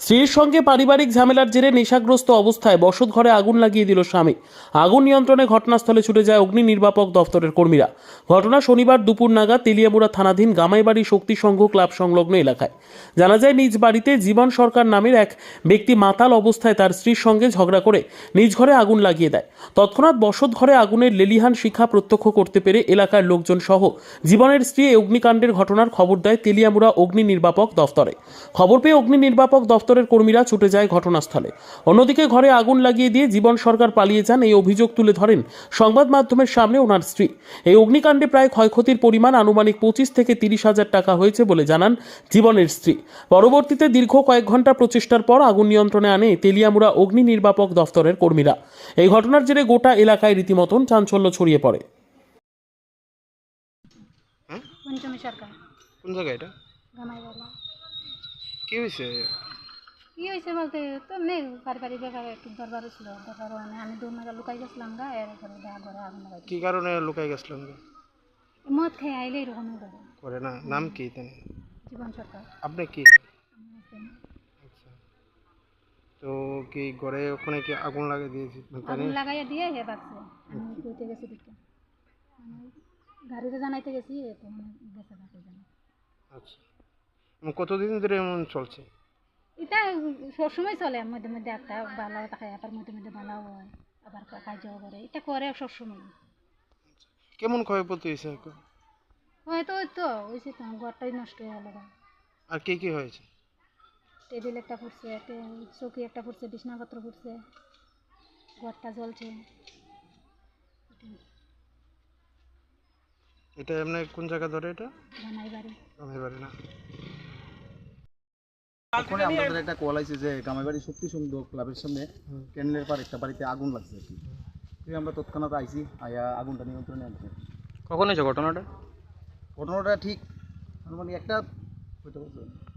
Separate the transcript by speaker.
Speaker 1: স্ত্রীর সঙ্গে পারিবারিক ঝামেলার জেরে নেশাগ্রস্ত অবস্থায় বসত ঘরে আগুন লাগিয়ে দিল স্বামী। আগুন নিয়ন্ত্রণে ঘটনাস্থলে ছুটে যায় অগ্নি নির্বাপক দফতরের কর্মীরা। ঘটনা শনিবার দুপুর নাগাদ তেলিয়ামুড়া থানাধীন গামাইবাড়ি শক্তি সংঘ ক্লাব সংলগ্ন এলাকায়। জানা যায়, নিজ বাড়িতে জীবন সরকার নামের এক ব্যক্তি মাতাল অবস্থায় তার স্ত্রীর সঙ্গে ঝগড়া করে নিজ ঘরে আগুন লাগিয়ে দেয়। তৎক্ষণাৎ বসত ঘরে আগুনের লেলিহান শিখা প্রত্যক্ষ করতে পেরে এলাকার লোকজন সহ জীবনের স্ত্রী এই অগ্নিকাণ্ডের ঘটনার খবর দেয় তেলিয়ামুড়া অগ্নি নির্বাপক দফতরে। খবর পেয়ে অগ্নি নির্বাপক দফতরের কর্মীরা ছুটে যায় ঘটনাস্থলে। অন্যদিকে ঘরে আগুন লাগিয়ে দিয়ে জীবন সরকার পালিয়ে যান, এই অভিযোগ তুলে ধরেন সংবাদ মাধ্যমের সামনে ওনার স্ত্রী। এই অগ্নিকাণ্ডে প্রায় ক্ষয়ক্ষতির পরিমাণ আনুমানিক 25 থেকে 30,000 টাকা হয়েছে বলে জানান জীবনের স্ত্রী। পরবর্তীতে দীর্ঘ কয়েক ঘন্টা প্রচেষ্টার পর আগুন নিয়ন্ত্রণে আনে তেলিয়ামুড়া অগ্নি নির্বাপক দফতরের কর্মীরা। এই ঘটনার জেরে গোটা এলাকায় রীতিমতন চাঞ্চল্য ছড়িয়ে পড়ে।
Speaker 2: পঞ্চমী সরকার
Speaker 3: কোন জায়গা এটা?
Speaker 2: গামাইবালা।
Speaker 3: কি হয়েছে?
Speaker 2: কি হয়েছে বলতে তো নেই, পারিবারিক ব্যাপারে একটু দরবার ছিল, দরবার মানে আমি দৌড় মেলা লুকাই গেছিলাম গা, এরপরে দেখা করে আগুন লাগাই
Speaker 3: কি কারণে লুকাই গেছিলেন?
Speaker 2: মদ খেয়ে আইলে এরকমই করে।
Speaker 3: করে না, নাম কি তেন?
Speaker 2: জীবন সরকার।
Speaker 3: আপনি কি? আচ্ছা, তো কি ঘরে ওখানে কি আগুন লাগিয়ে দিয়েছি?
Speaker 2: আগুন লাগাইয়া দিয়ে হে বাগছে। আমি কইতে গেছি দিকে গাড়িতে জানাইতে গেছি, তো মানে গেছে বাকি জানা।
Speaker 3: আচ্ছা, কতদিন ধরে এমন চলছে?
Speaker 2: এটা সবসময় চলে, মধ্যে মধ্যে একটা বালাও থাকে, আবার মধ্যে মধ্যে বালাও হয়, আবার কাজও করে, এটা করে সবসময়।
Speaker 3: কেমন ক্ষয়ক্ষতি হয়েছে এখন?
Speaker 2: হয়তো ওই তো হয়েছে তো, ঘরটাই নষ্ট হয়ে গেল।
Speaker 3: আর কি কি হয়েছে?
Speaker 2: টেবিল একটা ফুটছে, চৌকি একটা ফুটছে, বিছনাপত্র ফুটছে, ঘরটা জ্বলছে।
Speaker 3: এটা এমনি কোন জায়গা ধরে? এটা
Speaker 2: গামাইবাড়ি।
Speaker 3: আমার বাড়ি না।
Speaker 4: এখন আমাদের একটা কল আছে যে গামাইবাড়ি শক্তি সংঘ ক্লাবের সামনে ক্যানেলের পার একটা বাড়িতে আগুন লাগছে আর কি। তুই আমরা তৎক্ষণাৎ আইছি, আয়া আগুনটা নিয়ন্ত্রণে আনছি।
Speaker 3: কখন হয়েছে ঘটনাটা?
Speaker 4: ঘটনাটা ঠিক মানে একটা হইতে পারছে